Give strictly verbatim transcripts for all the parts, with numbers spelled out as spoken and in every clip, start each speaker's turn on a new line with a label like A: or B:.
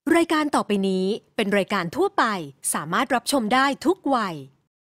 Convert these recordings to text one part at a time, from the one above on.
A: รายการต่อไปนี้เป็นรายการทั่วไปสามารถรับชมได้ทุกวัย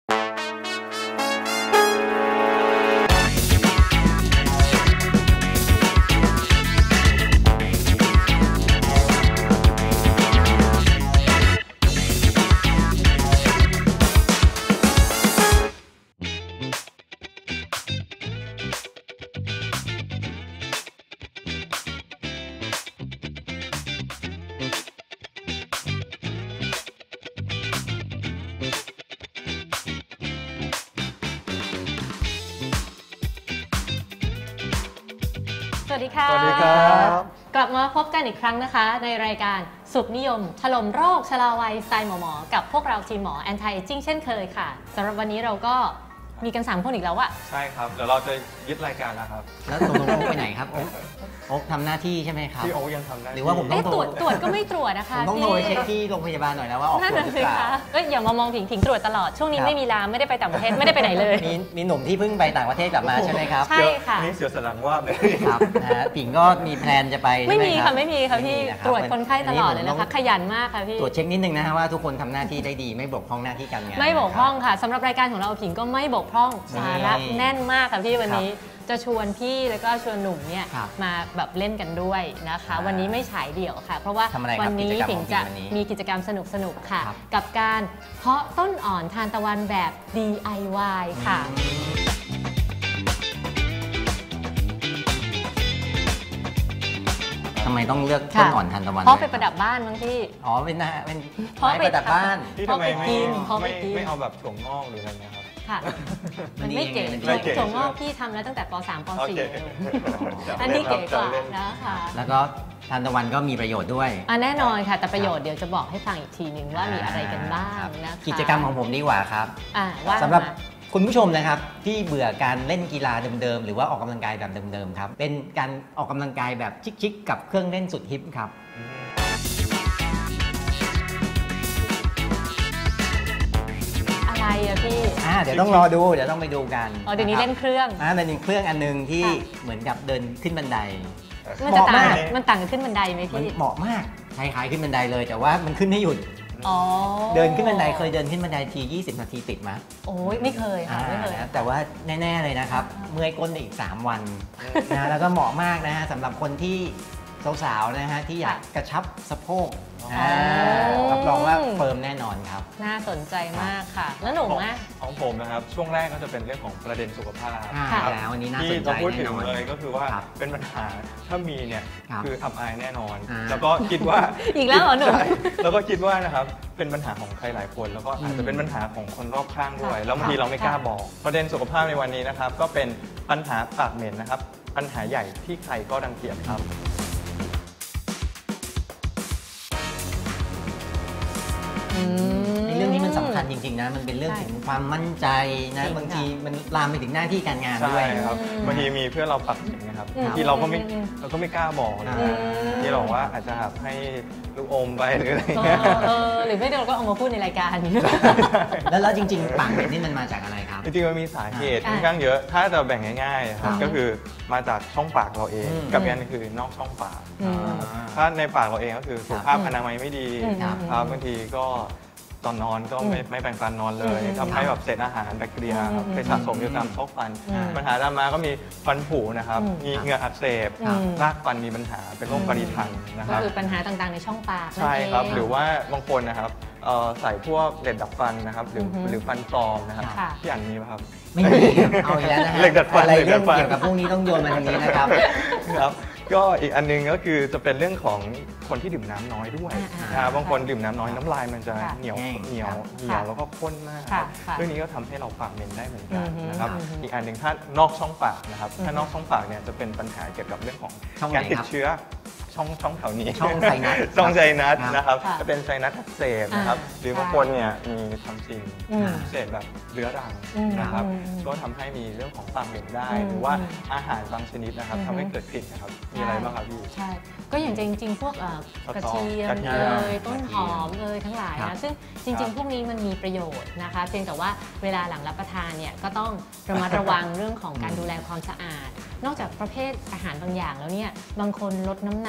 B: สวัสดีค่ะ
C: สวัสดีครับ
B: กลับมาพบกันอีกครั้งนะคะในรายการสุขนิยมถล่มโรคชราวัยสไตล์หมอหมอกับพวกเราทีมหมอ Anti Aging เช่นเคยค่ะสำหรับวันนี้เราก็มีกันสามคนอีกแล้วอะ
C: ใช่ครับเดี๋ยวเราจะยึดรายการแล้วครับ
D: แล้วตกลงโอ๊คไปไหนครับโอ๊คโอ๊คทำหน้าที่ใช่ไหมครับ
C: พี่โอ๊คยังทำได้
D: หรือว่าผมต้อง
B: ตรวจตรวจก็ไม่ตรวจนะคะ
D: ผมต้องโทรเช็คที่โรงพยาบาลหน่อยนะว่าออกตรวจหรือเปล่า
B: ก็อย่ามามองผิงผิงตรวจตลอดช่วงนี้ไม่มีลามไม่ได้ไปต่างประเทศไม่ได้ไปไหนเลย
D: มีมีหนุ่มที่เพิ่งไปต่างประเทศกลับมาใช่ไหมครับ
B: ใช่ค่ะ
C: นี่เสียวสลังว่าเลย
D: ครับนะฮะผิงก็มีแพลนจะไป
B: ไม่มีค่ะไม่มีค่ะพี่ตรวจคนไข้ตลอดเลยนะคะขยันมากค่ะพี่
D: ตรวจเช็คนิดนึงนะฮะว่าทุกคนทำหน้าที่ได้ดีไม่บกพร่องหน้าที่การงาน
B: ไม่บกพร่องค่ะสำหรับรายการของเราผิงก็ไม่บกพร่องสาระแน่นมากค่ะพี่วันนี้จะชวนพี่แล้วก็ชวนหนุ่มเนี่ยมาแบบเล่นกันด้วยนะคะวันนี้ไม่ฉายเดี่ยวค่ะเพราะว่าวันนี้ผิงจะมีกิจกรรมสนุกๆค่ะกับการเพาะต้นอ่อนทานตะวันแบบ ดี ไอ วาย ค่ะ
D: ทำไมต้องเลือกต้นอ่อนทานตะวัน
B: เพราะไปประดับบ้านมั้งพี่
D: อ๋อเป็นนะเป็นไม้ประดับบ้าน
C: ที่ทำไมไม่ไม่เอาแบบถั่วงอกหรืออะไรเงี้ยครับ
B: ค่ะมันไม่เก๋ถั่วงอกพี่ทำแล้วตั้งแต่ป สาม ป สี่อันนี้เก๋กว่านะคะ
D: แล้วก็ทานตะวันก็มีประโยชน์ด้วย
B: อ่ะแน่นอนค่ะแต่ประโยชน์เดี๋ยวจะบอกให้ฟังอีกทีนึงว่ามีอะไรกันบ้างนะคะ
D: กิจกรรมของผมดีกว่าครับสำหรับคุณผู้ชมนะครับที่เบื่อการเล่นกีฬาเดิมๆหรือว่าออกกำลังกายแบบเดิมๆครับเป็นการออกกำลังกายแบบชิคๆกับเครื่องเล่นสุดฮิปครับ
B: อะไรอะพี่
D: อ่าเดี๋ยวต้องรอดูเดี๋ยวต้องไปดูกัน
B: อ๋อเดี๋ยวนี้เล่นเครื่อง
D: อ่าเป็นเครื่องอันนึงที่เหมือนกับเดินขึ้นบันได
B: มันจะต่างมันต่างกันขึ้นบันไดไหมพี่
D: เหมาะมากคล้ายๆขึ้นบันไดเลยแต่ว่ามันขึ้นไม่หยุดเดินขึ้นบันไดเคยเดินขึ้นบันไดทียี่สิบนาทีติดไหม
B: โอ้ยไม่เคยค่ะไม่เคย
D: แต่ว่าแน่ๆเลยนะครับเมื่อยก้นอีกสามวันนะแล้วก็เหมาะมากนะฮะสำหรับคนที่สาวๆนะฮะที่อยากกระชับสะโพกรับรองว่าเฟิร์มแน่นอนครับ
B: น่าสนใจมากค่ะแล้วหนุ่มนะ
C: ของผมนะครับช่วงแรกก็จะเป็นเรื่องของประเด็นสุขภาพ
D: แล้ววันนี้น่าสนใจ
C: แน่นอนที่จะพูดถึงเลยก็คือว่าเป็นปัญหาถ้ามีเนี่ยคืออับอายแน่นอนแล้วก็คิดว่า
B: อีกแล้วเหรอหนุ่ม
C: แล้วก็คิดว่านะครับเป็นปัญหาของใครหลายคนแล้วก็อาจจะเป็นปัญหาของคนรอบข้างด้วยแล้วบางทีเราไม่กล้าบอกประเด็นสุขภาพในวันนี้นะครับก็เป็นปัญหาปากเหม็นนะครับปัญหาใหญ่ที่ใครก็รังเกียจครับ
D: ในเรื่องนี้มันสำคัญจริงๆนะมันเป็นเรื่องถึงความมั่นใจนะบางทีมันลามไปถึงหน้าที่การงานด้วย
C: ครับบางทีมีเพื่อนเราปักเหม็นนะครับที่เราก็ไม่เราก็ไม่กล้าบอกนะที่เราว่าอาจจะให้ลูกอมไปหรืออะไรเงี้ย
B: หรือไม่เราก็เอามาพูดในรายการ
D: แล้วแล้วจริงๆปากเหม็นนี่มันมาจากอะไรครับ
C: จริงๆมันมีสาเหตุค่อนข้างเยอะถ้าจะแบ่งง่ายๆครับก็คือมาจากช่องปากเราเองกับอีกอันนึงคือนอกช่องปากถ้าในปากเราเองก็คือสุขภาพอนามัยไม่ดีครับบางทีก็ตอนนอนก็ไม่ไม่แปรงฟันนอนเลยทำให้แบบเศษอาหารแบคทีเรียครับไปสะสมอยู่ตามซอกฟันปัญหาตามมาก็มีฟันผุนะครับมีเหงือกอักเสบรากฟันมีปัญหาเป็นโรคปริทันนะครับ
B: ก็คือปัญหาต่างๆในช่องปาก
C: ใช่ครับหรือว่าบางคนนะครับใส่พวกเหล็กดัดฟันนะครับหรือหรือฟันปลอมนะครับที่อันนี้ป่ะครับ
D: ไม่มีเอาอีกแล้วนะฮะ
C: เหล็กดัดฟัน
D: อะไรเรื่องเกี่ยวกับพวกนี้ต้องโยนมาทางนี้นะครับ
C: ครับก็อีกอันนึงก็คือจะเป็นเรื่องของคนที่ดื่มน้ำน้อยด้วยบางคนดื่มน้ำน้อยน้ำลายมันจะเหนียวเหนียวเหนียวแล้วก็ข้นมากเรื่องนี้ก็ทำให้เราปากเหม็นได้เหมือนกันนะครับอีกอันหนึ่งถ้านอกช่องปากนะครับถ้านอกช่องปากเนี่ยจะเป็นปัญหาเกี่ยวกับเรื่องของการติดเชื้อช่องช่องแถวนี้
D: ช่องไซนัส
C: ช่องไซนัสนะครับจะเป็นไซนัสอักเสบนะครับหรือบางคนเนี่ยมีทำซิงเศษแบบเรื้อรังนะครับก็ทำให้มีเรื่องของปากเหม็นได้หรือว่าอาหารบางชนิดนะครับทำให้เกิดกลิ่นนะครับมีอะไรบ้างครับพี่
B: ใช่ก็อย่างจริงๆพวกกระเทียมเอยต้นหอมเอยทั้งหลายนะซึ่งจริงๆพวกนี้มันมีประโยชน์นะคะเพียงแต่ว่าเวลาหลังรับประทานเนี่ยก็ต้องระมัดระวังเรื่องของการดูแลความสะอาดนอกจากประเภทอาหารบางอย่างแล้วเนี่ยบางคนลดน้ำหนัก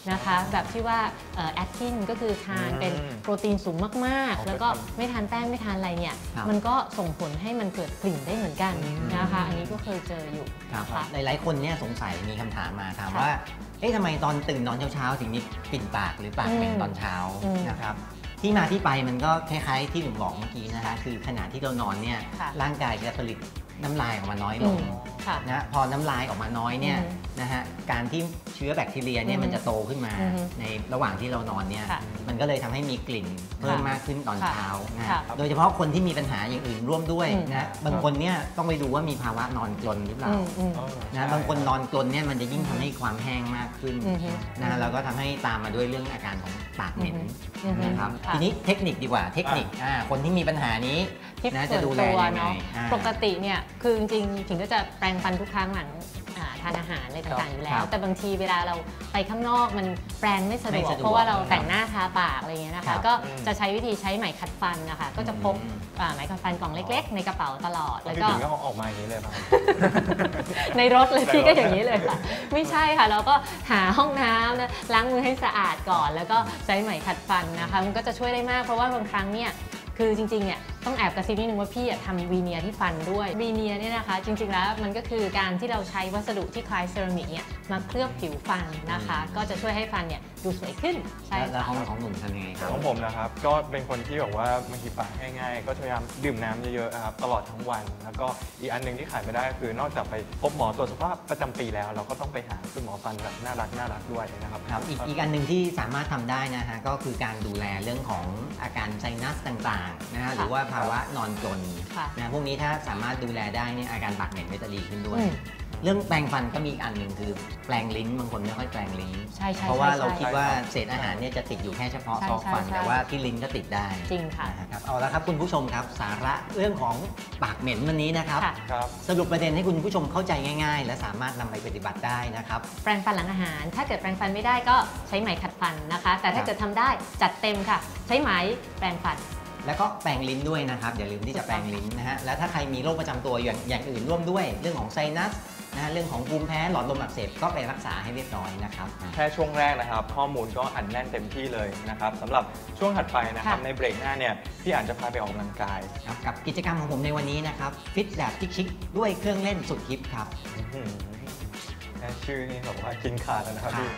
B: นะคะแบบที่ว่าแอคทินก็คือทานเป็นโปรตีนสูงมากๆแล้วก็ไม่ทานแป้งไม่ทานอะไรเนี่ยมันก็ส่งผลให้มันเกิดกลิ่นได้เหมือนกันนะคะอันนี้ก็เคยเจออยู่นะคะ
D: หลายๆคนเนี่ยสงสัยมีคำถามมาถามว่าเอ๊ะทำไมตอนตื่นนอนเช้าๆถึงมีกลิ่นปากหรือปากเหม็นตอนเช้านะครับที่มาที่ไปมันก็คล้ายๆที่หนุ่มบอกเมื่อกี้นะคะคือขณะที่เรานอนเนี่ยร่างกายจะผลิตน้ำลายออกมาน้อยลงนะพอน้ำลายออกมาน้อยเนี่ยนะฮะการที่เชื้อแบคทีเรียเนี่ยมันจะโตขึ้นมาในระหว่างที่เรานอนเนี่ยมันก็เลยทำให้มีกลิ่นเพิ่มมากขึ้นตอนเช้านะโดยเฉพาะคนที่มีปัญหาอย่างอื่นร่วมด้วยนะบางคนเนี่ยต้องไปดูว่ามีภาวะนอนกรนหรือเปล่านะบางคนนอนกรนเนี่ยมันจะยิ่งทำให้ความแห้งมากขึ้นนะแล้วก็ทำให้ตามมาด้วยเรื่องอาการของปากเหม็นนะครับทีนี้เทคนิคดีกว่าเทคนิคคนที่มีปัญหานี้นะจะดูแลยังไง
B: ปกติเนี่ยคือจริงๆถึงก็จะแปรงฟันทุกครั้งหลังทานอาหารอะไรต่างๆอยู่แล้วแต่บางทีเวลาเราไปข้างนอกมันแปรงไม่สะดวกเพราะว่าเราแต่งหน้าทาปากอะไรเงี้ยนะคะก็จะใช้วิธีใช้ไหมขัดฟันนะคะก็จะพกไหมขัดฟันกล่องเล็กๆในกระเป๋าตลอดแล้วก็
C: ก็ออกมาอย่างนี้เลยป่ะ
B: ในรถเลยพี่ก็อย่างนี้เลยค่ะไม่ใช่ค่ะเราก็หาห้องน้ำนะล้างมือให้สะอาดก่อนแล้วก็ใช้ไหมขัดฟันนะคะมันก็จะช่วยได้มากเพราะว่าบางครั้งเนี่ยคือจริงๆเนี่ยต้องแอบกระซิบนิดนึงว่าพี่ทำวีเนียที่ฟันด้วยวีเนียเนี่ยนะคะจริงๆแล้วมันก็คือการที่เราใช้วัสดุที่คล้ายเซรามิกเนี่ยมาเคลือบผิวฟันนะคะก็จะช่วยให้ฟันเนี่ยดูสวยขึ้น
D: ใช่แล้วของของหนุ่มทำยังไงครับ
C: ของผมนะครับก็เป็นคนที่แบบว่าบางทีปากง่ายๆก็พยายามดื่มน้ำเยอะๆครับตลอดทั้งวันแล้วก็อีกอันนึงที่ขาดไม่ได้คือนอกจากไปพบหมอตรวจสุขภาพประจำปีแล้วเราก็ต้องไปหาคุณหมอฟันแบบน่ารักน่ารักด้วยนะครับ
D: ครับอีกอีกอันหนึ่งที่สามารถทำได้นะฮะก็คือการดูแลเรื่องของอาการไซนัสต่างๆนะฮะหรือว่าภาวะนอนกรนนะพวกนี้ถ้าสามารถดูแลได้เนี่ยอาการปากเหม็นก็จะดีขึ้นด้วยเรื่องแปรงฟันก็มีอีกอันหนึ่งคือแปรงลิ้นบางคนไม่ค่อยแปรงลิ้นเพราะว่าเราคิดว่าเศษอาหารเนี่ยจะติดอยู่แค่เฉพาะซอกฟันแต่ว่าที่ลิ้นก็ติดได้
B: จริงค่ะ
D: ครับเอาละครับคุณผู้ชมครับสาระเรื่องของปากเหม็นวันนี้นะครับสรุปประเด็นให้คุณผู้ชมเข้าใจง่ายๆและสามารถนำไปปฏิบัติได้นะครับ
B: แปรงฟันหลังอาหารถ้าเกิดแปรงฟันไม่ได้ก็ใช้ไหมขัดฟันนะคะแต่ถ้าเกิดทำได้จัดเต็มค่ะใช้ไหมแปรงฟัน
D: แล้วก็แปรงลิ้นด้วยนะครับอย่าลืมที่จะแปรงลิ้นนะฮะแล้วถ้าใครมีโรคประจำตัวอย่างอย่างอื่นร่วมด้วยเรื่องของไซนัสนะเรื่องของภูมิแพ้หลอดลมอักเสบก็ไปรักษาให้เรียบร้อยนะครับ
C: แค่ช่วงแรกนะครับข้อมูลก็อัดแน่นเต็มที่เลยนะครับสำหรับช่วงถัดไปนะครับในเบรกหน้าเนี่ยพี่อ่านจะพาไปออกกำลังกาย
D: ครับกับกิจกรรมของผมในวันนี้นะครับฟิตแบบชิคๆด้วยเครื่องเล่นสุดฮิปครับ
C: แค่ชื่อนี่แบบว่ากินขาดแล้วนะครับพี่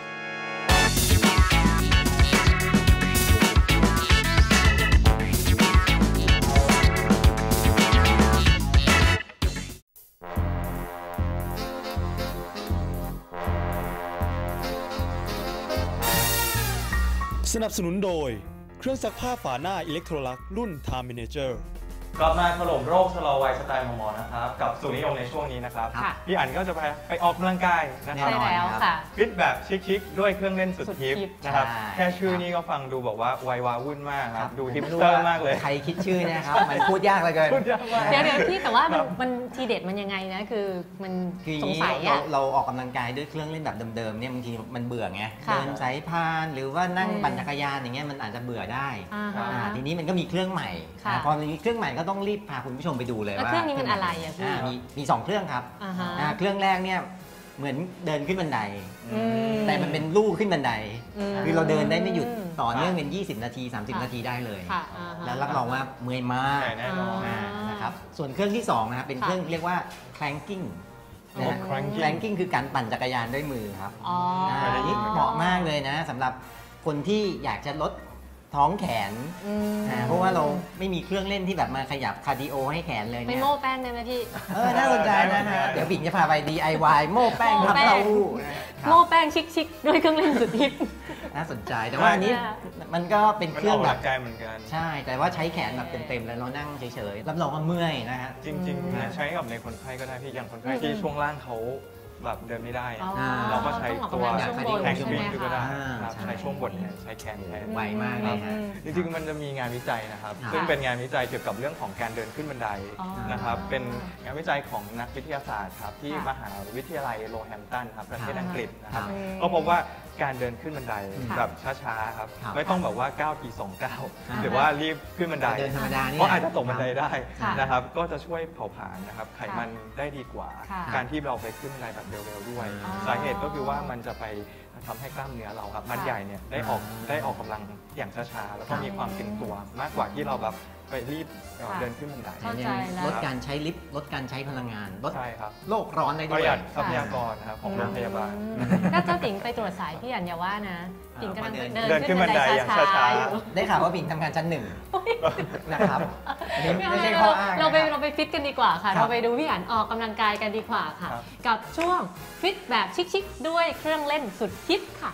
E: สนับสนุนโดยเครื่องซักผ้าฝาหน้าอิเล็กโทรลักรุ่น Time Manager
C: กลับมาถล่มโรคชะลอวัยสไตล์หมอนะครับกับสูตรนิยมในช่วงนี้นะครับพี่อั๋นก็จะไปไปออกกำลังกายนะครับ
B: ใช่แล้วค่ะ
C: ฟิตแบบชิคๆด้วยเครื่องเล่นสุดฮิปนะครับแค่ชื่อนี้ก็ฟังดูบอกว่าวัยวาวุ่นมากครับดูฮิปสเตอร์มากเลย
D: ใครคิดชื่อเนี่ยครับมันพูดยากเหลือเกิน
B: เดี๋ยวเดี๋ยวพี่แต่ว่ามันมันทีเด็ดมันยังไงนะคือมันสงสัย
D: อะเราออกกำลังกายด้วยเครื่องเล่นแบบเดิมๆเนี่ยบางทีมันเบื่อไงเดินสายพานหรือว่านั่งปั่นจักรยานอย่างเงี้ยมันอาจจะเบื่อได้ทีนี้มันก็มีเครื่องใหม่พอมีเครื่องใหม่ก็ต้องรีบพาคุณผู้ชมไปดูเลยว่า
B: เครื่องนี้มันอะไรอ่ะพี่
D: มีมีสองเครื่องครับเครื่องแรกเนี่ยเหมือนเดินขึ้นบันไดแต่มันเป็นลู่ขึ้นบันไดคือเราเดินได้ไม่หยุดต่อเนื่องเป็นยี่สิบนาทีสามสิบนาทีได้เลยแล้วรับรองว่าเมื่อยมากนะครับส่วนเครื่องที่สองนะครับเป็นเครื่องเรียกว่า clanking clanking คือการปั่นจักรยานด้วยมือครับอันนี้เหมาะมากเลยนะสำหรับคนที่อยากจะลดท้องแขนเพราะว่าเราไม่มีเครื่องเล่นที่แบบมาขยับคาร์ดิโอให้แขนเลยเนี่ย
B: ไปโม่แป้งได้ไหมพี่
D: เออน่าสนใจนะฮะเดี๋ยวบิ่งจะพาไป ดี ไอ วาย โม่แป้งครับเรา
B: โม่แป้งชิคๆด้วยเครื่องเล่นสุดฮิป
D: น่าสนใจแต่ว่าอันนี้มันก็เป็นเครื่องแบบ
C: ใจเหมือนกัน
D: ใช่แต่ว่าใช้แขนแบบเต็มๆแล้วเรานั่งเฉยๆรับรองว่าเมื่อยนะฮะ
C: จริงๆใช้กับในคนไข้ก็ได้พี่อย่างคนไข้ที่ช่วงล่างเขาแบบเดินไม่ได้เราก็ใช้ตัวแขนวิ่งก็ได้ใช้ช่วงบนใช้แขนแทน
D: ไวมากเลยฮะ
C: จริงๆมันจะมีงานวิจัยนะครับซึ่งเป็นงานวิจัยเกี่ยวกับเรื่องของการเดินขึ้นบันไดนะครับเป็นงานวิจัยของนักวิทยาศาสตร์ครับที่มหาวิทยาลัยโรแฮมป์ตันครับประเทศอังกฤษนะครับก็พบว่าการเดินขึ้นบันไดแบบช้าๆครับไม่ต้องแบบว่าก้าวทีสองก้าวหรือว่ารีบขึ้นบันไดเพราะอาจจะตกบันไดได้นะครับก็จะช่วยเผาผลาญนะครับไขมันได้ดีกว่าการที่เราไปขึ้นบันไดแบบเร็วๆด้วยสาเหตุก็คือว่ามันจะไปทำให้กล้ามเนื้อเราครับมัดใหญ่เนี่ยได้ออกได้ออกกำลังอย่างช้าๆแล้วก็มีความตึงตัวมากกว่าที่เราแบบไปรีบเดินขึ้นบันได
B: เข้าใจแล้ว
D: ลดการใช้ลิฟต์ลดการใช้พลังงานลด
C: ใช่ครับ
D: โลกร้อนได้
C: ป
D: ด้ว
C: ระ
D: ย
C: หยัดทรัพยากรนะครับของโรงพยาบาล
B: ถ้าเจ้าติ๋งไปตรวจสายพี่อันอย่าว่านะติ๋งกำลัง
D: เดิน
B: เดิน
C: เดินขึ้
B: ขึ้น
C: น
B: บันได
C: บันไดอย่าง
B: ช้า
C: ช้า
B: ๆ
C: ๆ
B: อยู่
D: ได้ข่าวว่าบิ่งทำงานชั้นหนึ่งนะครับอันนี้
B: ไม่เอา
D: ไม่ใช่
B: เรา
D: ข้ออ้าง
B: เราไป
D: นะครับ
B: เราไปฟิตกันดีกว่าค่ะ
D: ครับ
B: เราไปดูพี่อันออกกำลังกายกันดีกว่าค่ะ
C: ครับ
B: กับช่วงฟิตแบบชิคๆด้วยเครื่องเล่นสุดฮิตค่ะ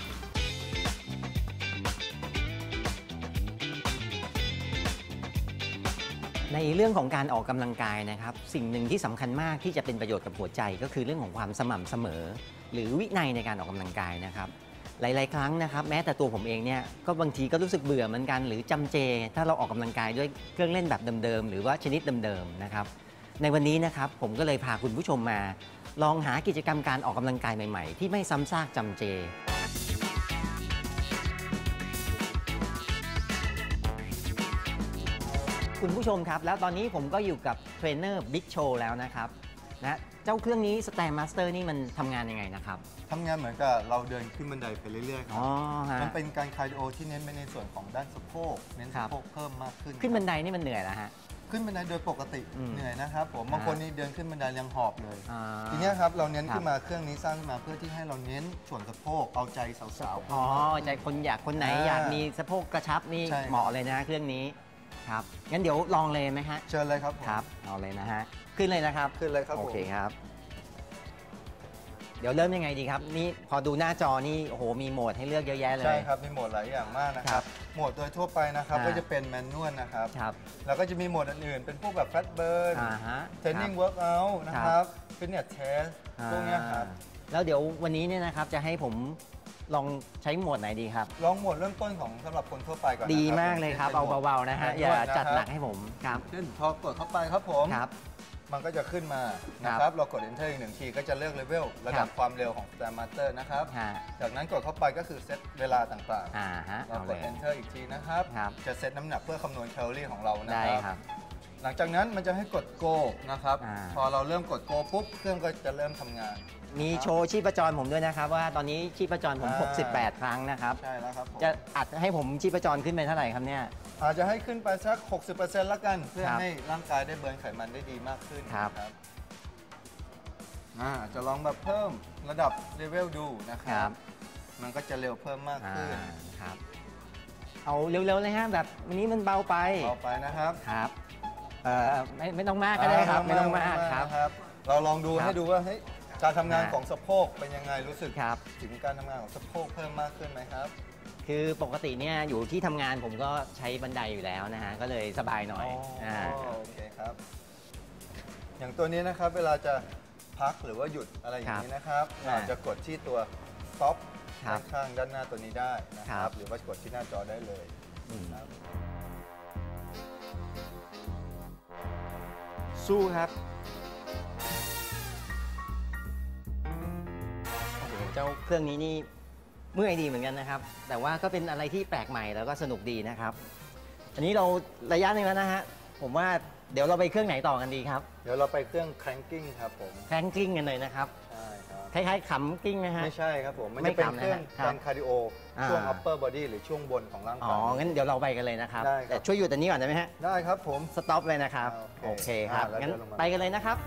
D: ในเรื่องของการออกกำลังกายนะครับสิ่งหนึ่งที่สำคัญมากที่จะเป็นประโยชน์กับหัวใจก็คือเรื่องของความสม่ำเสมอ หรือวินัยในการออกกำลังกายนะครับหลายๆครั้งนะครับแม้แต่ตัวผมเองเนี่ยก็บางทีก็รู้สึกเบื่อเหมือนกันหรือจำเจ ถ้าเราออกกำลังกายด้วยเครื่องเล่นแบบเดิมๆหรือว่าชนิดเดิมๆนะครับในวันนี้นะครับผมก็เลยพาคุณผู้ชมมา ลองหากิจกรรมการออกกำลังกายใหม่ๆที่ไม่ซ้ำซากจำเจคุณผู้ชมครับแล้วตอนนี้ผมก็อยู่กับเทรนเนอร์บิ๊กโชว์แล้วนะครับนะเจ้าเครื่องนี้ Stair Master นี่มันทำงานยังไงนะครับ
F: ทำงานเหมือนกับเราเดินขึ้นบันไดไปเรื่อยๆครั
D: อ๋อฮะ
F: มันเป็นการคาร์ดิโอที่เน้นไปในส่วนของด้านสะโพกเน้น
D: ครั
F: สะ
D: บ
F: โพกเพิ่มมากขึ้น
D: ขึ้นบันไดนี่มันเหนื่อยแล้วฮะ
F: ขึ้นบันไดโดยปกติ
D: อืม
F: เหนื่อยนะครับผมบางคนนี่เดินขึ้นบันไดยังหอบเลย
D: อ่า
F: ทีเนี้ยครับเราเน้น
D: ครับ
F: ขึ้นมาเครื่องนี้สร้างขึ้นมาเพื่อที่ให้เราเน้นส่วนสะโพกเอาใจสาวๆ
D: อ๋อใจคนอยากคนไหน
F: อ่า
D: อยากมีสะโพกกระชับนี่
F: ใช่ครับ
D: เหมาะเลยนะฮะเครื่องนี้ครับงั้นเดี๋ยวลองเลยไหมฮะ
F: เชิญเลยครับผม
D: ครับเอาเลยนะฮะขึ้นเลยนะครับ
F: ขึ้นเลยครับ
D: โอ
F: ผม
D: เคครับ เดี๋ยวเริ่มยังไงดีครับนี่พอดูหน้าจอนี่โอ้โหมีโหมดให้เลือกเยอะแยะเลย
F: ใช่ครับมีโหมดหลายอย่างมากนะค
D: ครั
F: รับบ โหมดโดยทั่วไปนะครับ
D: อ่า
F: ก็จะเป็นแมนนวลนะครับ
D: ครับ
F: แล้วก็จะมีโหมดอื่นๆเป็นพวกแบบแฟตเบิร์น
D: อ่าฮะ
F: เทรนนิ่ง
D: คบ
F: เวิร์กอัลนะครับฟิตเนสเทสพวกเนี้ยครับ
D: อ่าแล้วเดี๋ยววันนี้เนี่ยนะครับจะให้ผมลองใช้โหมดไหนดีครับ
F: ลองโหมดเริ่มต้นของสำหรับคนทั่วไปก่อนนะครับ
D: ดีมากเลยครับ
F: ป็น
D: เอา
F: โหมด
D: เบาๆนะฮะ
F: แมนนวล
D: อย่า
F: นะครับ
D: จัดหนักให้ผมครับ
F: เช่นพอกดเข้าไปครับผม
D: ครับ
F: มันก็จะขึ้นมานะ
D: ค
F: ค
D: รั
F: รับ บ เรากด enter อีกหนึ่งทีก็จะเลือกเลเวลระดับ
D: ครับ
F: ความเร็วของ Stair Master นะครับ
D: ฮะ
F: จากนั้นกดเข้าไปก็คือเซตเวลาต่าง
D: อ่าฮะ
F: ๆ เรา
D: เอา
F: ก
D: เล
F: ด
D: ย
F: enter อีกทีนะครับ
D: ครับ
F: จะเซตน้ำหนักเพื่อคำนวณแคลอรี่ของเรานะ
D: ได้
F: ค
D: ค
F: รั
D: รับ บ
F: หลังจากนั้นมันจะให้กด go นะครับ
D: อ่า
F: พอเราเริ่มกด go ปุ๊บ เครื่องก็จะเริ่มทำงาน
D: มีโชว์ชีพจรผมด้วยนะครับ ว่าตอนนี้ชีพจรผม
F: อ่า
D: หกสิบแปด ครั้งนะครับ
F: ใช่แล้วครับผม
D: จะอัดให้ผมชีพจรขึ้นไปเท่าไหร่ครับเนี่ย
F: อาจจะให้ขึ้นไปสัก หกสิบเปอร์เซ็นต์ ละกัน เพื่อ
D: ครับ
F: ให้ร่างกายได้เบิร์นไขมันได้ดีมากขึ้น
D: ครับ
F: นะอ่าจะลองแบบเพิ่มระดับเลเวลดูนะค
D: ครั
F: รับ บ มันก็จะเร็วเพิ่มมาก
D: อ่า
F: ขึ้น
D: ครับ เอาเร็วๆเลยฮะแบบวันนี้มันเบาไป
F: ต่อไปนะครับ
D: ครับเอ่อไม่ไม่ต้องมากก็ได้ครับ ไม่ต้องมากครับ
F: นะครับ เราลองดู
D: ครับ
F: ให้ดูว่าเฮ้ยการทำงาน
D: อ่า
F: ของสะโพกเป็นยังไงรู้สึก
D: ครับ
F: ถึงการทำงานของสะโพกเพิ่มมากขึ้นไหมครับ
D: คือปกติเนี่ยอยู่ที่ทำงานผมก็ใช้บันไดอยู่แล้วนะฮะก็เลยสบายหน่อย
F: อ๋อ
D: า
F: โอเคครับ อย่างตัวนี้นะครับเวลาจะพักหรือว่าหยุดอะไรอย่างนี้นะครับ
D: ครับ
F: เราจะกดที่ตัว stop
D: ครับ
F: ข้างๆด้านหน้าตัวนี้ได้นะค
D: ครั
F: รับ
D: บ
F: หรือว่ากดที่หน้าจอได้เลย
D: อืม
F: ครับ
D: สู้ครับโอ้โหเจ้าเครื่องนี้นี่เมื่อยดีเหมือนกันนะครับ แต่ว่าก็เป็นอะไรที่แปลกใหม่แล้วก็สนุกดีนะครับ อันนี้เราระยะหนึงแล้วนะฮะผมว่าเดี๋ยวเราไปเครื่องไหนต่อกันดีครับ
F: เดี๋ยวเราไปเครื่อง cranking ครับผม
D: แพลงกิ้งกันเลยนะครับ
F: ใช่ครับ
D: คล้ายๆขำกิ้งนะฮะ
F: ไม่ใช่ครับผม มัน
D: ไม่
F: จะเป็น
D: ขำนะ
F: เครื่อง
D: ครับ
F: การคาร์ดิโอ
D: อ่า
F: ช่วง upper body หรือช่วงบนของร่าง
D: อ๋
F: กา
D: อ
F: ย
D: งั้นเดี๋ยวเราไปกันเลยนะครับ
F: ได้ครับ
D: แต่ช่วยอยู่แต่นี้ก่อนได้ไหมฮะ
F: ได้ครับผม
D: สต็อปเลยนะครับ
F: โอเค
D: โอเคครับ
F: อ่าแล้ว
D: งั้น
F: เดินลงมา
D: ไปกันเลยนะครับ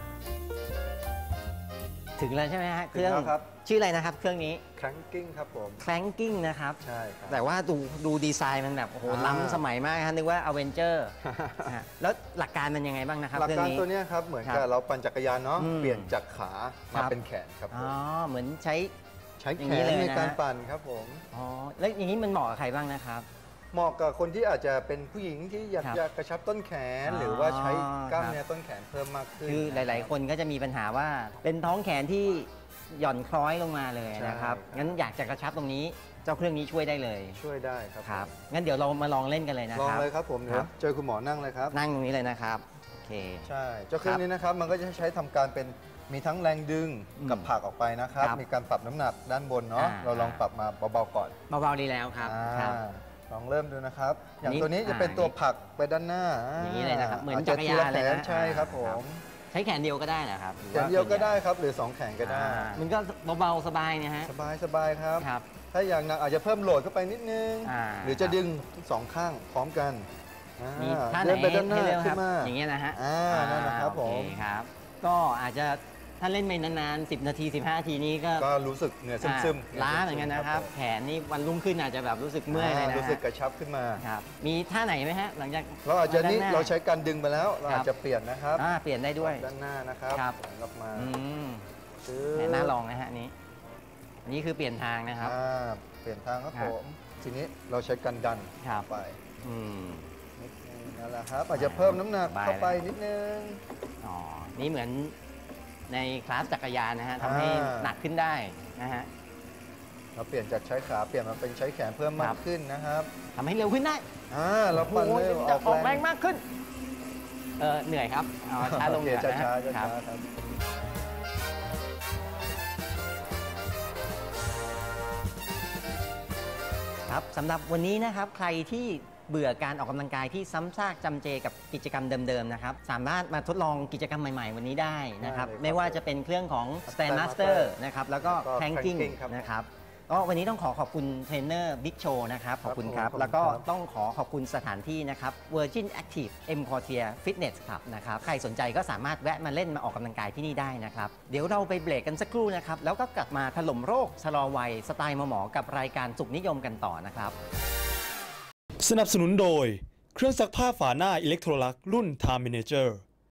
D: ถึงแล้วใช่ไหมฮะเครื่อง
F: ถึงแล้วครับ
D: ชื่ออะไรนะครับ เครื่องนี้
F: cranking ครับผม
D: clanking นะครับ
F: ใช่ครับ
D: แต่ว่าดูดูดีไซน์มันแบบโอ้โห
F: อ่า
D: ล้ำสมัยมากฮะนึกว่า Avenger ฮะแล้วหลักการมันยังไงบ้างนะครับ
F: หลัก
D: เครื่
F: การ
D: นี้
F: ตัวเนี้ยครับเหมือน
D: ครั
F: กับบ เราปั่นจักรยานเนาะ
D: อืม
F: เปลี่ยนจากขา
D: ครั
F: มา
D: บ
F: เป็นแขนครับผ
D: อ๋อ
F: ม
D: เหมือนใช้
F: ใช้
D: อย่า
F: แข
D: งนี้
F: น
D: เลย
F: ใน
D: นะ
F: การปั่นครับผม
D: อ๋อแล้วอย่างนี้มันเหมาะกับใครบ้างนะครับ
F: เหมาะกับคนที่อาจจะเป็นผู้หญิงที่อยาก
D: ครับ
F: จะกระชับต้นแขน
D: อ๋อ
F: หรือว่าใช้กล้าม
D: ครับ
F: เนื้อต้นแขนเพิ่มมากขึ้น
D: คือหลาย ๆ คนก็จะมีปัญหาว่าเป็นท้องแขนที่หย่อนคล้อยลงมาเลยนะครับ
F: ใช่ครับ
D: งั้นอยากจะกระชับตรงนี้เจ้าเครื่องนี้ช่วยได้เลย
F: ช่วยได้ครับ
D: ครับงั้นเดี๋ยวเรามาลองเล่นกันเลยนะ
F: ลอง
D: ครับ
F: เลยครับผม
D: ค
F: เดี๋ย
D: รั
F: ว
D: บ
F: เจอคุณหมอนั่งเลยครับ
D: นั่งตรงนี้เลยนะครับโอเค
F: ใช่เจ้าเครื่อ
D: ค
F: ง
D: รับ
F: นี้นะครับมันก็จะใช้ทำการเป็นมีทั้งแรงดึง
D: อืม
F: กับผลักออกไปนะครับ
D: ครับ
F: มีการปรับน้ำหนักด้านบนเนาะ
D: อ่า
F: เราลองปรับมาเบาๆก่อน
D: เบา ๆ ดีแล้วครับ
F: อ่า
D: ครับ
F: ลองเริ่มดูนะครับ อย่าง
D: นี่
F: ตัวนี้จะเป็น
D: อ่า
F: ตัวผลักไปด้านหน้า
D: อย่างนี้เลยนะครับเหมือน
F: าจ
D: จักรยาน
F: ทีะแข
D: เลยนะ
F: ใช่ครับผ
D: ครับ
F: ม
D: ใช้แขนเดียวก็ได้นะครับหรือ
F: แขนเดียวก็ได้ครับหรือสองแขนก็ได้
D: อ่ามันก็เบาๆสบายเนี่ยฮะ
F: สบายสบายครับ
D: ครับ
F: ถ้าอย่างหนักอาจจะเพิ่มโหลดเข้าไปนิดนึง
D: อ่า
F: หรือจะดึงทั้งสองข้างพร้อมกันอ่า
D: มีท่าไหน
F: เดินไปด้านหน้า
D: ให้เร็วค
F: ขึ้
D: รับ
F: นมา
D: อย่างเงี้ยนะฮะ
F: อ่านั่นนะครับ
D: โอเค
F: ผม
D: ครับ ก็อาจจะถ้าเล่นไปนานๆสิบนาทีสิบห้านาทีนี้ก็
F: ก็รู้สึกเหนื่อยซึม
D: อ่าล้าเหมือนกันนะครับ แขนนี่วันรุ่งขึ้นอาจจะแบบรู้สึก
F: ๆ
D: เมื่อยเลยนะ
F: รู้สึกกระชับขึ้นมา
D: ครับมีท่าไหนไหมฮะหลังจาก
F: เราอาจจะนี่
D: ด้นห
F: เราใช้การดึงไปแล้ว เรา
D: ครับ
F: อาจจะเปลี่ยนนะครับ
D: อ่าเปลี่ยนได้ด้วย
F: ด้านหน้านะครับ
D: ครับ
F: หลังออกมา
D: อืม
F: ซื้อ
D: แหม่น่าลองนะฮะอันนี้อันนี้คือเปลี่ยนทางนะครับ
F: อ่าเปลี่ยนทางครับ
D: ครั
F: ผ
D: บ
F: มทีนี้เราใช้การดัน
D: ครับ
F: ไป
D: อืม
F: นิดนึงนั่นแหละครับ อาจจะเพิ่มน้ำหนัก
D: สบาย
F: เข้าไป
D: เลย
F: นิดนึง
D: อ๋อนี่เหมือนในคลาสจักรยานนะฮะทำให้
F: อ่า
D: หนักขึ้นได้นะฮะ
F: เราเปลี่ยนจากใช้ขาเปลี่ยนมาเป็นใช้แขนเพิ่มมา
D: ครั
F: ก
D: บ
F: ขึ้นนะครับ
D: ทำให้เร็วขึ้นได้
F: อ่าเราปั่น
D: โอ้โห
F: เร็ว
D: จะอ
F: อ
D: อ
F: อก ก
D: แร
F: แรง ง
D: มากขึ้นเออเหนื่อยครับเอาช้าลง
F: โอเค
D: ก่อน
F: ช้า
D: นะ
F: ช้าช้า
D: ครับ
F: ช้าครับ
D: ครับสำหรับวันนี้นะครับใครที่เบื่อการออกกำลังกายที่ซ้ำซากจำเจกับกิจกรรมเดิมๆนะครับสามารถมาทดลองกิจกรรมใหม่ๆ วันนี้ได้นะครับ
F: ได้เลยครับ
D: ไม่ว่าจะเป็นเครื่องของ Stand Master นะครับแล้วก็
F: แล้วก็
D: Planking
F: Planking ครับ
D: นะครับก็วันนี้ต้องขอขอบคุณเทรนเนอร์บิ๊กโชนะครับขอบคุณครับ
F: ผม
D: แล้วก็
F: ขอบคุณครับ
D: ต้องขอขอบคุณสถานที่นะครับ Virgin Active M Quartier Fitness Club นะครับใครสนใจก็สามารถแวะมาเล่นมาออกกำลังกายที่นี่ได้นะครับเดี๋ยวเราไปเบรกกันสักครู่นะครับแล้วก็กลับมาถล่มโรคชะลอวัยสไตล์หมอๆกับรายการสุขนิยมกันต่อนะครับ
E: สนับสนุนโดย เครื่องซักผ้าฝาหน้าอิเล็กโทรลักรุ่น Time Manager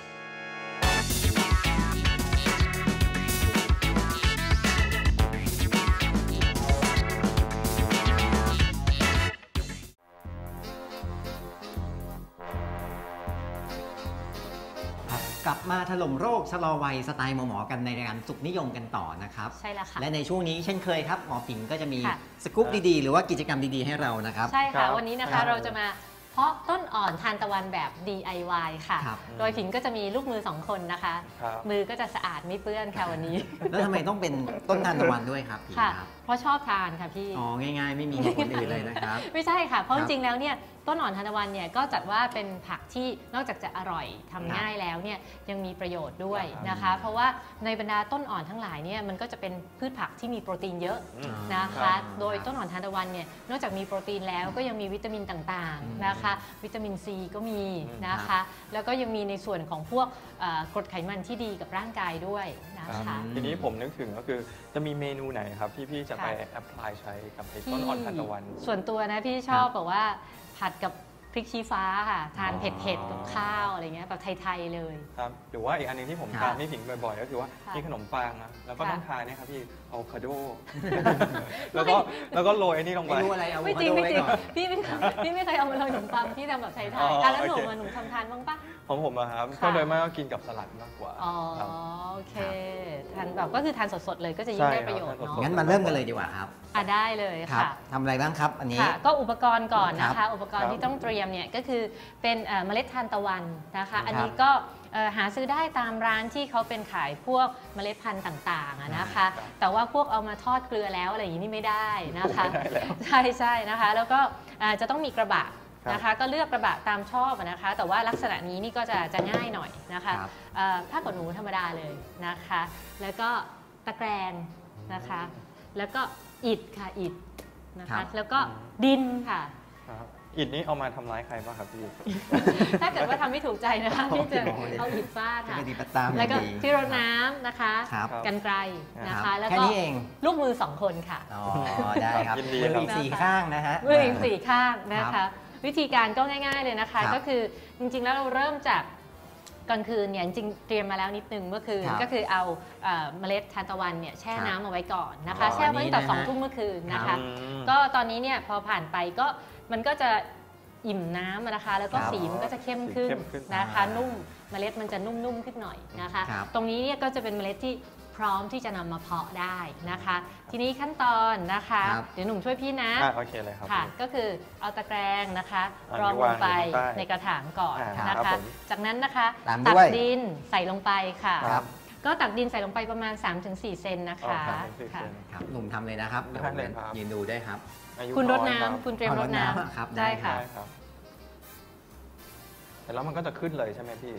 D: ครับกลับมาถล่มโรคชะลอวัยสไตล์หมอๆกันในรายการสุขนิยมกันต่อนะครับ
B: ใช่แล้วค่ะ
D: และในช่วงนี้เช่นเคยครับหมอผิงก็จะมี
B: ค่ะ
D: สกู๊ปดีๆ หรือว่ากิจกรรมดีๆให้เรานะครับ
B: ใช่
C: ครั
B: ค่ะ
C: บ
B: วันนี้นะ
C: ครั
B: คะ
C: บ
B: เราจะมาเพาะต้นอ่อนทานตะวันแบบ ดี ไอ วาย ค่ะ
D: ครับ
B: โดยผิงก็จะมีลูกมือสองคนนะคะ
C: ครับ
B: มือก็จะสะอาดไม่เปื้อนค่ะวันนี้
D: แล้วทำไมต้องเป็นต้นทานตะวันด้วยครับผิง
B: ค่ะ
D: ครับ
B: เพราะชอบทานค่ะพี่
D: อ๋อง่ายๆ ไม่มีเหตุผลอื่นเลยนะครับ
B: ไม่ใช่ค่ะ เพราะ
D: ค
B: จ
D: รับ
B: ริงๆ แล้วเนี่ยต้นอ่อนทานตะวันเนี่ยก็จัดว่าเป็นผักที่นอกจากจะอร่อยทำง่ายแล้วเนี่ยยังมีประโยชน์ด้วยนะคะ เพราะว่าในบรรดาต้นอ่อนทั้งหลายเนี่ยมันก็จะเป็นพืชผักที่มีโปรตีนเยอะ
C: อืม
B: นะ
C: ครั
B: คะ
C: บ
B: โดยต้นอ่อนทานตะวันเนี่ยนอกจากมีโปรตีนแล้วก็ยังมีวิตามินต่าง
D: อืม
B: ๆนะคะ วิตามินซีก็มีนะ
D: ครั
B: คะ
D: บ
B: แล้วก็ยังมีในส่วนของพวกเอ่อกรดไขมันที่ดีกับร่างกายด้วยนะ
C: ครั
B: คะ
C: บทีนี้ผมนึกถึงก็คือจะมีเมนูไหนครับที่พี่จะไป
B: ค่ะ
C: แอพพลายใช้กับไอ้ต้นอ่อนทานตะวัน
B: ส่วนตัวนะพี่ชอบแบบว่าผัดกับพริกชี้ฟ้าค่ะทาน
C: อ๋อ
B: เผ็ดๆกับข้าวอะไรเงี้ยแบบไทยๆเลย
C: ครับหรือว่าอีกอันหนึงที่ผม
D: ครับ
C: ทานไม่ผิงบ่อยๆ ก็คือว่า
B: ค่ะ
C: ที่ขนมปังนะแล้วก็
B: ค่ะ
C: ต้องทานเนี่ยครับพี่อะโวคาโด แล้วก็แล้วก็โรยไอ้นี่ลงไป
D: ไม่รู้อะไรเอา
B: ไม่จริง
D: อะโว
B: ไม่
D: คาโด
B: จริง
D: ว้ก่อน
B: พี่ไม่พี่ไม่เคยเอามาลงขนมปังพี่ทำแบบไทย
C: อ๋อ
B: ๆอ่ะแล้วหนู
C: โอเค
B: มาหนูทำทานบ้างปะ
C: ของผมอะครับ
B: ค่ะ
C: ก็โดยมากก็กินกับสลัดมากกว่า
B: อ๋อ
C: ครับ
B: โอเคทานแบบก็คือทานสดๆเลยก็จะยิ่ง
C: ใช่
B: ได้
C: ครับ
B: ประโยชน์
C: ทานสด
B: เนาะ
C: ๆ
D: งั้นมาเริ่มกันเลยดีกว่าครับ
B: อ่ะได้เลย
D: ครับ
B: ค่ะ
D: ทำอะไรบ้างครับอันนี้
B: ค่ะก็อุปกรณ์ก่อนนะ
D: ครั
B: คะ
D: บ
B: อุปกรณ์
C: ครับ
B: ที่ต้องเตรียมเนี่ยก็คือเป็นเอ่อเมล็ดทานตะวันนะคะ
D: ครับ
B: อันนี้ก็เอ่อหาซื้อได้ตามร้านที่เขาเป็นขายพวกเมล็ดพันธุ์ต่างๆอะนะคะ แต่ว่าพวกเอามาทอดเกลือแล้วอะไรอย่างนี้นี่ไม่ได้นะคะ
C: ไม่ได้แล้ว
B: ใช่ใช่นะคะ แล้วก็เอ่อจะต้องมีกระบะ
C: ครับ
B: นะคะ ก็เลือกกระบะตามชอบอะนะคะ แต่ว่าลักษณะนี้นี่ก็จะจะง่ายหน่อยนะคะ
D: ครับ
B: เอ่อผ้าขนหนูธรรมดาเลยนะคะ แล้วก็ตะแกรงนะคะ แล้วก็อิฐค่ะอิฐนะ
D: ครั
B: คะ
D: บ
B: แล้วก็ดินค่ะ
C: ครับอิฐนี้เอามาทำร้ายใครบ้างครับพี่
B: ถ้าเกิดว่าทำไม่ถูกใจนะคะพี่จะเอาอิฐฟาด
D: จะ
B: ค่ะ
D: ปฏิบัติตาม
B: แล้วก็
D: ดี
B: ที่รดน้ำนะคะ
D: ครับ
B: กันไกลนะ
D: ครั
B: คะ
D: บ
B: แล้ว
D: แค่
B: ก็
D: นี้เอง
B: ลูกมือสองคนค่ะ
D: อ๋อได้ครับ
C: ยินดี
D: มือ
C: ครับ
D: อีกสี่ข้างนะฮะ
B: มืออีกสี่ข้างนะ
D: ครั
B: คะ
D: บ
B: วิธีการก็ง่ายๆเลยนะคะ
D: ครับ
B: ก็คือจริงๆแล้วเราเริ่มจากกลางคืนเนี่ยจริงๆเตรียมมาแล้วนิดนึงเมื่อคืน
D: ครับ
B: ก็คือเอาเอ่อเมล็ดทานตะวันเนี่ยแช่
D: ครับ
B: น้ำเอาไว้ก่อนนะ
D: อ๋
B: คะ
D: อ
B: แช่ไว้ตั้งแต่
D: อันนี้นะฮะ
B: สองทุ่มเมื่อคืนนะ
D: ครั
B: คะ
D: บ
C: อืม
B: ก็ตอนนี้เนี่ยพอผ่านไปก็มันก็จะอิ่มน้ำอะนะคะ แล้วก็
D: ครับ
B: สีมันก็จะเข้มขึ้น
C: สีเข้มขึ้น
B: นะคะ
D: อ่านุ่
B: นุ่มเมล็ดมันจะนุ่มๆขึ้นหน่อยนะคะ
D: ครับ
B: ตรงนี้เนี่ยก็จะเป็นเมล็ดที่พร้อมที่จะนำมาเพาะได้นะคะ ทีนี้ขั้นตอนนะคะ
D: ครับ
B: เดี๋ยวหนุ่มช่วยพี่นะ
C: อ่ะโอเคเลยครับ
B: ค่ะ
C: พี่
B: ก็คือเอาตะแกรงนะคะ
C: อันนี้
B: รองลงไป
C: วางอยู่ข้างใต้
B: ในกระถางก่อน
C: อ่า
B: นะ
C: ครั
B: คะ
C: บผม
B: จากนั้นนะคะ
D: ตาม
B: ตั
D: ด้วย
B: ดินใส่ลงไปค่ะ
D: ครับ
B: ก็ตักดินใส่ลงไปประมาณ สามถึงสี่ เซนนะคะ
C: อ๋อครับเป็น
B: ค่ะ
C: เซน
D: ครับหนุ่มทำเลยนะครับ
C: ได้เลยครับ
D: ยืนดูได้ครับ
C: อายุ
B: คุณรด
C: น้อยครับ
B: น้ำคุณเตรียม
D: เอา
B: ร
D: ร
B: ด
D: ด
B: น้
D: น้ำครับ
B: ำ
D: ได้
B: ได้ค่ะ
C: ได้ครับแต่แล้วมันก็จะขึ้นเลยใช่ไหมพี่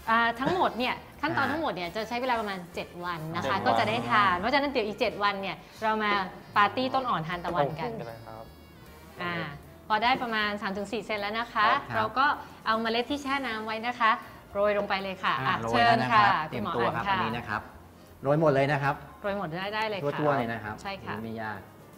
B: อ่าทั้งหมดเนี่ยขั้นตอน
D: อ่า
B: ทั้งหมดเนี่ยจะใช้เวลาประมาณ เจ็ด วันนะคะ
C: เจ็ดวัน
B: ก็จะได้ทานเพราะฉะนั้นเดี๋ยวอีก เจ็ด วันเนี่ยเรามาปาร์ตี้ต้นอ่อนทานตะวันกัน
C: เลยครับ
B: อ่าพอได้ประมาณ สามถึงสี่ เซนแล้วนะคะ
D: ครับ
B: เราก็เอาเมล็ดที่แช่น้ำไว้นะคะโรยลงไปเลยค่ะ
D: อ่า
B: อ่ะ
D: โรย
B: เชิ
D: แล้ว
B: ญ
D: นะค
B: ค่ะ
D: รับเต
B: คุ
D: รี
B: ณ
D: ยม
B: หมอ
D: ตัว
B: อัน
D: ครับ
B: ค่ะ
D: อันนี้นะครับโรยหมดเลยนะครับ
B: โรยหมดได้ได้เลยค่ะ
D: ทั่วๆเลยนะครับ
B: ใช่ค่ะ
D: ไม่ยาก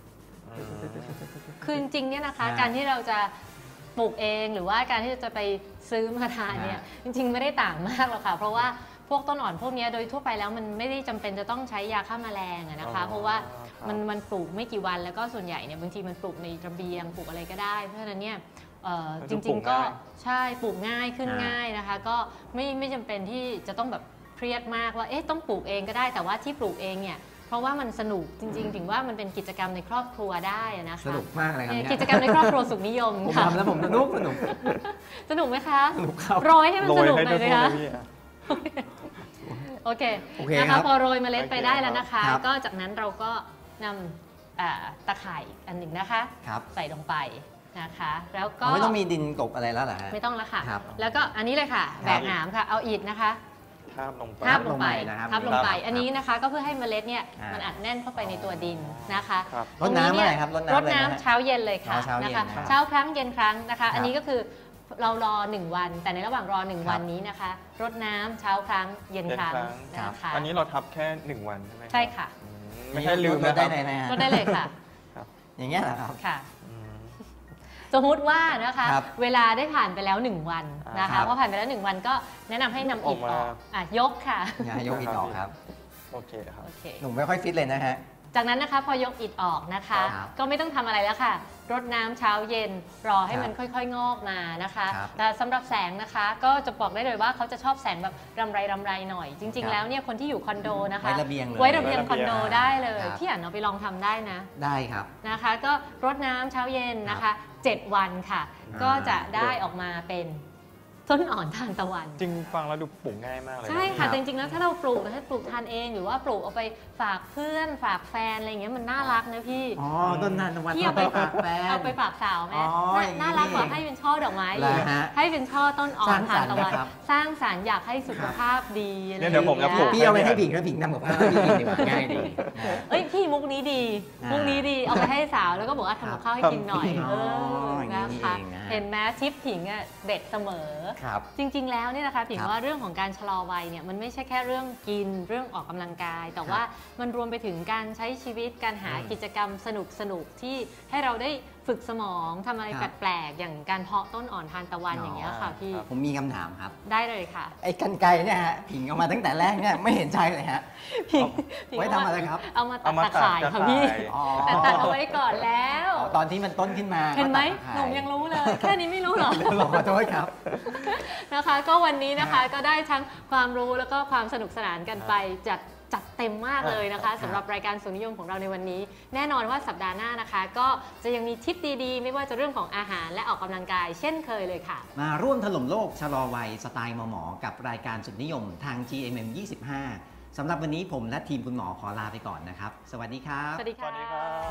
B: คือจริงๆเนี่ยนะคะ
D: อ่า
B: การที่เราจะปลูกเองหรือว่าการที่จะไปซื้อมาทานเนี่ย
D: อ่า
B: จริงๆไม่ได้ต่างมากหรอกค่ะเพราะว่าพวกต้นอ่อนพวกเนี้ยโดยทั่วไปแล้วมันไม่ได้จำเป็นจะต้องใช้ยาฆ่าแมลงอะนะคะ
C: อ๋อ
B: เพราะว่า
C: ครับ
B: มันมันปลูกไม่กี่วันแล้วก็ส่วนใหญ่เนี่ยบางทีมันปลูกในระเบียงปลูกอะไรก็ได้ เพราะฉะนั้นเนี่ยเอ่อ
C: มัน
B: จ
C: ก็ปลู
B: ริง
C: ก
B: ๆก็
C: ง่าย
B: ใช่ปลูกง่ายขึ้น
D: อ่า
B: ง่ายนะคะ ก็ไม่ไม่จำเป็นที่จะต้องแบบเครียดมากว่าเอ๊ะต้องปลูกเองก็ได้แต่ว่าที่ปลูกเองเนี่ยเพราะว่ามันสนุกจริงๆ ถึงว่ามันเป็นกิจกรรมในครอบครัวได้อะนะคะ
D: สนุกมากเลยครับ
B: เนี่ย
D: เนี่ย
B: กิจกรรมในครอบครัวสุขนิยม
D: ผม
B: ค่ะ
D: ทำแล้วผมสนุกสนุก
B: สนุกไหมคะ
D: สนุกครับ
B: โรยให้มัน
C: โร
B: ส
C: ย
B: นุก
C: ให้
B: หน่อย
C: ทั่
B: เล
C: วย ๆ
B: คะ
C: เลยพี่อะ
B: โอเค
D: โอเค
B: นะ
D: ครั
B: คะ
D: บ
B: พอโรยเมล็ดไป
C: โอเค
B: ได้แล้วนะคะ
D: ครับ
B: ก็จากนั้นเราก็นำอ่าตะข่ายอีกอันหนึ่งนะคะ
D: ครับ
B: ใส่ลงไปนะคะ แล้วก็
D: อ๋อไม่ต้องมีดินกลบอะไรแล้วเหรอฮะ
B: ไม่ต้องแล้วค่ะ
D: ครับ
B: แล้วก็อันนี้เลยค่ะ
D: ค
B: แบ
D: รับ
B: กหนามค่ะเอาอิฐนะคะ
C: ทาบลงไป
B: ทับลงไป
D: ลงไปนะครับ
B: ทับลงไป
C: ครับ
B: อันนี้นะคะก็เพื่อให้เมล็ดเนี่ย
D: อ่ามั
B: มันอัดแน่นเข้าไปในตัวดินนะคะ
C: ครับ
D: รดน้ำเมื่อไหร่ครับรดน้ำ
B: รด
D: เลยนะฮะ
B: น้ำเช้าเย็นเลยค่ะ
D: อ๋อเช้าเย็น
B: นะคะ
D: นะครับ
B: เช้าครั้งเย็นครั้งนะคะ
D: ครับ
B: อันนี้ก็คือเรารอหนึ่งวัน แต่ในระหว่างรอหนึ่ง
D: ครับ
B: วันนี้นะคะรดน้ำเช้าครั้งเย็นครั้ง
C: เย็นครั้ง
B: นะคะ
C: อันนี้เราทับแค่หนึ่งวันใช่ไหมรับ
B: ใช่ค่ะ
C: อืมไม่ใช่ลืม
D: ร
C: นะ
D: ด
C: ค
D: ได้
C: รับ
D: ไหนนะฮะ
B: รดได้เลยค่ะ
D: อย่างเงี้ยเหรอครับ
B: ค่ะ
C: อืม
B: สมมุติว่านะคะ
D: ครับ
B: เวลาได้ผ่านไปแล้วหนึ่งวันนะ
D: ครั
B: คะ
D: บ
B: พอผ่านไปแล้วหนึ่งวันก็แนะนำให้นำอิฐ
C: ออก
B: อ
C: มา
B: อกอ่ะยกค่ะ
D: อย่ายกอิฐออกครับ
C: โอเคครับ
B: โอเค
D: หนุ่มไม่ค่อยฟิตเลยนะฮะ
B: จากนั้นนะคะพอยกอิฐออกนะคะ
D: ครับ
B: ก็ไม่ต้องทำอะไรแล้วค่ะรดน้ำเช้าเย็นรอให้
D: ครับ
B: มันค่อยๆ งอกมานะคะ
D: ครับ
B: แต่สำหรับแสงนะคะก็จะบอกได้เลยว่าเขาจะชอบแสงแบบรำไรรำไรหน่อย จริง
D: ครั
B: ๆ
D: บ
B: แล้วเนี่ยคนที่อยู่คอนโดนะคะ
D: ไว้ระเบียงเลย
B: ไว้ระเบียงคอนโด
C: ไว้ระเบียง
B: ได้เลย
D: ครับ
B: พี่อ่านเอาไปลองทำได้นะ
D: ได้ครับ
B: นะคะ ก็รดน้ำเช้าเย็นนะคะเจ็ดวันค่ะ
D: อ่า
B: ก็จะได้ออกมาเป็นต้นอ่อนทานตะวัน
C: จริงฟังแล้วดูปลูกง่ายมากเลยน
B: ใช่
D: ครั
B: ค่ะ
D: บ
B: แต่จริงๆแล้วถ้าเราปลูกนะถ้าปลูกทานเองหรือว่าปลูกเอาไปฝากเพื่อนฝากแฟนอะไรอย่างเงี้ยมันน่ารักนะพี่
D: อ๋อต้นนันทวัน
B: พี่เอาไป
D: ฝากแฟน
B: เอาไปฝากสาวไหม
D: อ๋อ
B: น่า
D: อย่างนี้
B: น่ารักกว่า
D: นี่
B: ให้เป็นช่อดอกไม้
D: เหร
B: อี
D: อก ฮะ
B: ให้เป็นช่อต้นอ่อ
D: สร้าน ง
B: ทา
D: สร
B: น
D: รค์
B: ตะวัน
D: นะครับ
B: สร้างสรรค์อยากให้สุขภาพดีอะไร
C: เนี่ยเดี๋ยวผมจะปลูก
D: พี่เอาไปให้ผิงแล้วผิงทำกับข้าวให้พี่กินดีกว่าง่ายดีนะ
B: เอ้ยพี่มุกนี้ดี
D: อ่ามุ
B: มุกนี้ดีเอาไปให้สาวแล้วก็บอกว่าทำกับข้าวให้กินหน่อย
D: ครับ
B: เอ
D: อ๋อ
B: อ
D: อย่างนี้
B: นะคะ
D: นี่เองนะฮะ
B: เห็นไหมทิปผิงอ่ะเด็ดเสมอ
D: ครับ
B: จริง ๆ แล้วเนี่ยนะคะผิง
D: ครับ
B: ว่าเรื่องของการชะลอวัยเนี่ยมันไม่ใช่แค่เรื่องกินเรื่องออกกำลังกาย แต่ว่ามันรวมไปถึงการใช้ชีวิตการหา
D: อืม
B: กิจกรรมสนุกสนุกๆที่ให้เราได้ฝึกสมองทำอะไร
D: ครับ
B: แปลกๆอย่างการเพาะต้นอ่อนทานตะวัน
D: อ๋อ
B: อ
D: อ
B: ย่างเงี้ยค่ะพี่
D: ผมมีคำถามครับ
B: ได้เลยค่ะ
D: ไอ้กันไกรเนี่ยฮะผิงเอามาตั้งแต่แรกเนี่ยไม่เห็นใจเลยฮะ
B: ผิงผิง
D: ไว้ทำอะไรครับ
B: เอามาตั
C: เอา
B: ด
C: มา
B: ตะ
C: ตัด
B: ข่าย
C: ตะ
B: ค่ะ
C: ข่าย
B: พี่
D: อ๋อ
B: แต่ตัดเอาไว้ก่อนแล้ว
D: อ๋อตอนที่มันต้นขึ้นมา
B: เห็นไหม
D: ก็ตัดตะข่า
B: หนุ่มยังรู้เลย แค่นี้ไม่รู้เหรอ
D: ขอโทษครับ
B: นะคะก็วันนี้นะคะก็ได้ทั้งความรู้แล้วก็ความสนุกสนานกันไปจัดจัดเต็มมากเลยนะคะสำหรับรายการสุนิยมของเราในวันนี้ แน่นอนว่าสัปดาห์หน้านะคะ ก็จะยังมีทิปดีๆ ไม่ว่าจะเรื่องของอาหารและออกกำลังกาย เช่นเคยเลยค่ะ
D: มาร่วมถล่มโลกชะลอวัยสไตล์หมอหมอกับรายการสุดนิยมทาง จี เอ็ม เอ็ม ยี่สิบห้า สำหรับวันนี้ผมและทีมคุณหมอขอลาไปก่อนนะครับ สวัสดีครับ
B: สวัสดี
C: สวัสดีครั
B: ค่ะ
C: บ